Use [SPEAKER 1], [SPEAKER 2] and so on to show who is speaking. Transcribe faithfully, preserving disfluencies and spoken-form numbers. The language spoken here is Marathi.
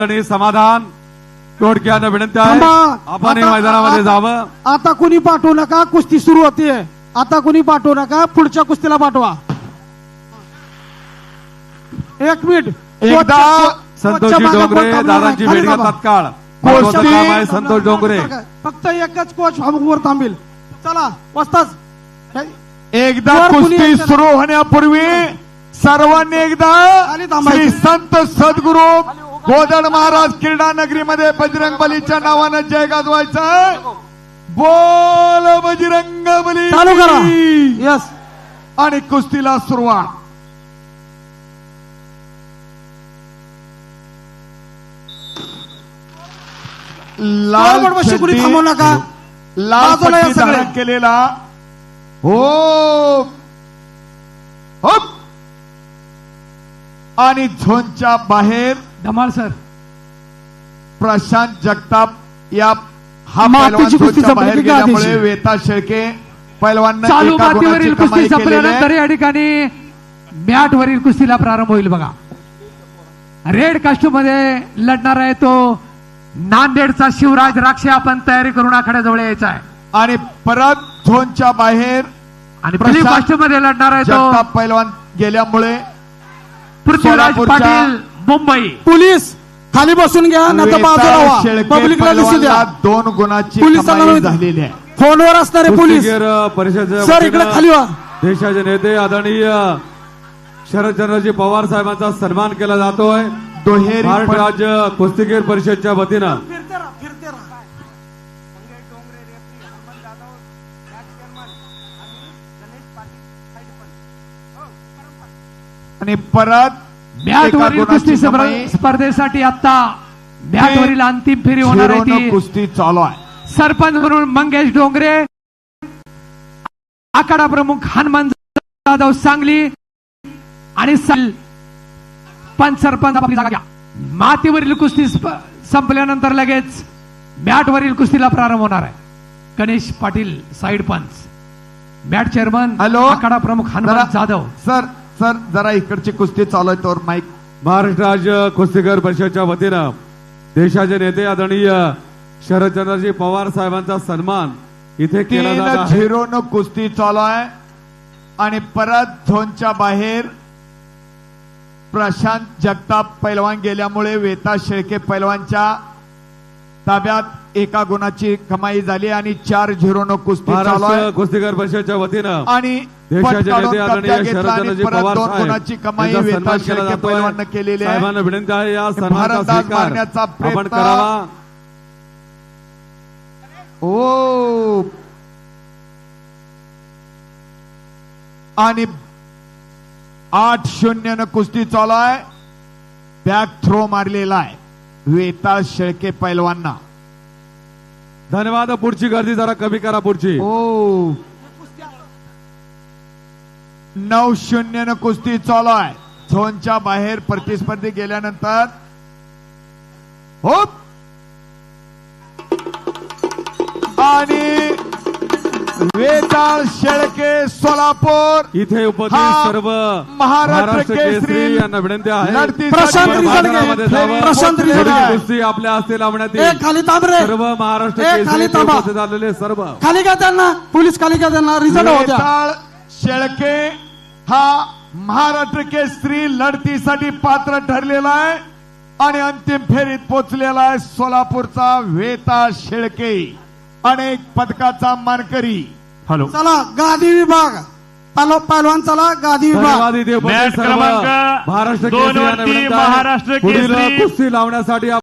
[SPEAKER 1] आणि समाधान थोडक्यानं विनंती आहे आपण या मैदानामध्ये जावं।
[SPEAKER 2] आता कुणी पाठवू नका, कुस्ती सुरू होते। आता कुणी पाठवू नका, पुढच्या कुस्तीला पाठवा। एक मिनिट
[SPEAKER 1] एकदा संतोषजी डोंगरे दादांची भेट घ्या तात्काळ। महत्त्वाचं काम आहे संतोष डोंगरे।
[SPEAKER 2] फक्त एकच कोच वर थांबेल। चला वस्ताद
[SPEAKER 3] एकदा कुस्ती सुरू होण्यापूर्वी सर्वांनी एकदा श्री संत सद्गुरू गोदड महाराज क्रीडा नगरीमध्ये बजरंग बलीच्या नावानं जय गाजवायचा। बोल बजरंग बली
[SPEAKER 2] चालू करा। यस
[SPEAKER 3] आणि कुस्तीला सुरुवात। लाल
[SPEAKER 2] कुणी थांबू नका,
[SPEAKER 3] लाल पट्टी धारण केलेला हो हो आणि झोनच्या बाहेर
[SPEAKER 2] धमाल सर
[SPEAKER 3] प्रशांत जगताप या हा
[SPEAKER 2] मातीची कुस्ती
[SPEAKER 3] पैलवान बाहेर
[SPEAKER 2] संपली का
[SPEAKER 3] गेल्यामुळे
[SPEAKER 2] आधीची?
[SPEAKER 3] वेता शेळके पैलवान
[SPEAKER 4] चालू मातीवरील कुस्ती संपल्यानंतर या ठिकाणी मॅट वरील कुस्तीला प्रारंभ होईल। बघा रेड कास्ट्यूम मध्ये लढणार आहे तो नांदेडचा शिवराज राक्षे। आपण तयारी करून आखाड्याजवळ यायचा आहे।
[SPEAKER 3] आणि परत झोनच्या बाहेर
[SPEAKER 4] आणि ब्लू कास्ट्यूम मध्ये लढणार आहे तो
[SPEAKER 3] जगताप पैलवान गेल्यामुळे
[SPEAKER 4] पृथ्वीराज पाटील मुंबई।
[SPEAKER 2] पोलीस खाली बसून घ्या, नाही तर बाजूला व्हा,
[SPEAKER 3] शेळके
[SPEAKER 2] पब्लिकला दिसू द्या।
[SPEAKER 3] पैलवानला दोन गुणाची
[SPEAKER 2] पोलिसांना
[SPEAKER 3] कमाई झालेली आहे।
[SPEAKER 2] फोनवर असणारे पोलीस
[SPEAKER 1] परिषद
[SPEAKER 2] सर इकडे खाली व्हा।
[SPEAKER 1] देशाचे नेते आदरणीय शरदचंद्रजी पवार साहेबांचा सन्मान केला जातोय।
[SPEAKER 3] दुहेरी
[SPEAKER 1] महाराष्ट्र राज्य कुस्तीगीर परिषदच्या वतीनं
[SPEAKER 3] आणि परत
[SPEAKER 4] मॅट वरील कुस्ती स्पर्धेसाठी आता मॅट वरील अंतिम फेरी होणार आहे ती
[SPEAKER 3] कुस्ती चालू आहे।
[SPEAKER 4] सरपंच म्हणून मंगेश डोंगरे, आखाडा प्रमुख हनुमान जाधव सांगली आणि पंच सरपंच आपली जागा घ्या। मातीवरील कुस्ती संपल्यानंतर लगेच मॅट वरील कुस्तीला प्रारंभ होणार आहे। गणेश पाटील साइड पंच, मॅट चेअरमन
[SPEAKER 3] हॅलो
[SPEAKER 4] आखाडा प्रमुख हनुमान जाधव।
[SPEAKER 3] सर सर जरा इकडची कुस्ती चालू आहे तर माईक।
[SPEAKER 1] महाराष्ट्र राज्य कुस्तीगीर परिषदच्या वतीनं देशाचे नेते आदरणीय शरदचंद्रजी पवार साहेबांचा सन्मान इथे केला जात आहे।
[SPEAKER 3] झिरो न कुस्ती चालू आहे आणि परत झोनच्या बाहेर प्रशांत जगताप पैलवान गेल्यामुळे वेता शेळके पैलवानच्या ताब्यात एका गुणाची कमाई झाली आणि चार झिरो न कुस्ती चालू
[SPEAKER 1] महाराष्ट्र
[SPEAKER 3] आहे।
[SPEAKER 1] कुस्तीगीर परिषदच्या वतीनं
[SPEAKER 3] आणि
[SPEAKER 1] देशाचे नेते आदरणीय शरदचंद्रजी पवार
[SPEAKER 3] गुणाची कमाई
[SPEAKER 1] साहेब
[SPEAKER 3] वेता शेळके पैलवान केलेली आहे।
[SPEAKER 1] साहेबांना विनंती आहे या सन्मानाचा
[SPEAKER 3] भारतदास
[SPEAKER 1] स्वीकार
[SPEAKER 3] मारण्याचा
[SPEAKER 1] आपण
[SPEAKER 3] प्रयत्न
[SPEAKER 1] करावा।
[SPEAKER 3] ओ आणि आठ शून्य न कुस्ती चालू आहे। बॅक थ्रो मारलेला आहे वेताळ शेळके पैलवांना।
[SPEAKER 1] धन्यवाद। पुढची गर्दी जरा कमी करा पुढची।
[SPEAKER 3] ओ नऊ शून्य न कुस्ती चालू आहे। झोनच्या बाहेर प्रतिस्पर्धी गेल्यानंतर हो आणि वेताळ शेळके सोलापूर
[SPEAKER 1] इथे उपस्थित
[SPEAKER 3] हा
[SPEAKER 1] सर्व
[SPEAKER 3] महाराष्ट्र केसरी
[SPEAKER 1] यांना विनंती आहे
[SPEAKER 3] लढतीसाठी
[SPEAKER 2] प्रशांत
[SPEAKER 1] मैदानामध्ये जावं।
[SPEAKER 2] प्रशांत
[SPEAKER 1] पुढची
[SPEAKER 2] रिझल्ट
[SPEAKER 1] कुस्ती आपल्या हस्ते लावण्यात
[SPEAKER 2] ए
[SPEAKER 1] येईल।
[SPEAKER 2] खाली थांब रे,
[SPEAKER 1] सर्व महाराष्ट्र
[SPEAKER 2] ए,
[SPEAKER 1] केसरी
[SPEAKER 2] खाली
[SPEAKER 1] इथे
[SPEAKER 2] थांबा।
[SPEAKER 1] उपस्थित झालेले सर्व
[SPEAKER 2] खाली घ्या त्यांना, पोलीस खाली घ्या त्यांना। रिझल्ट होत्या
[SPEAKER 3] वेताळ शेळके हा महाराष्ट्र केसरी लढतीसाठी पात्र ठरलेला आहे आणि अंतिम फेरीत पोहोचलेला आहे। सोलापूरचा वेताळ शेळके अनेक पदकाचा मानकरी।
[SPEAKER 5] हॅलो
[SPEAKER 2] चला गादी विभाग पालो पैलवान, चला गादी विभाग।
[SPEAKER 1] धन्यवाद। इथे उपस्थित
[SPEAKER 5] मॅच
[SPEAKER 1] सर्व
[SPEAKER 5] क्रमांक
[SPEAKER 1] महाराष्ट्र
[SPEAKER 5] दोन
[SPEAKER 1] केसरी यांना
[SPEAKER 5] वरती
[SPEAKER 1] विनंती आहे
[SPEAKER 5] महाराष्ट्र
[SPEAKER 1] पुढील
[SPEAKER 5] केसरी
[SPEAKER 1] कुस्ती लावण्यासाठी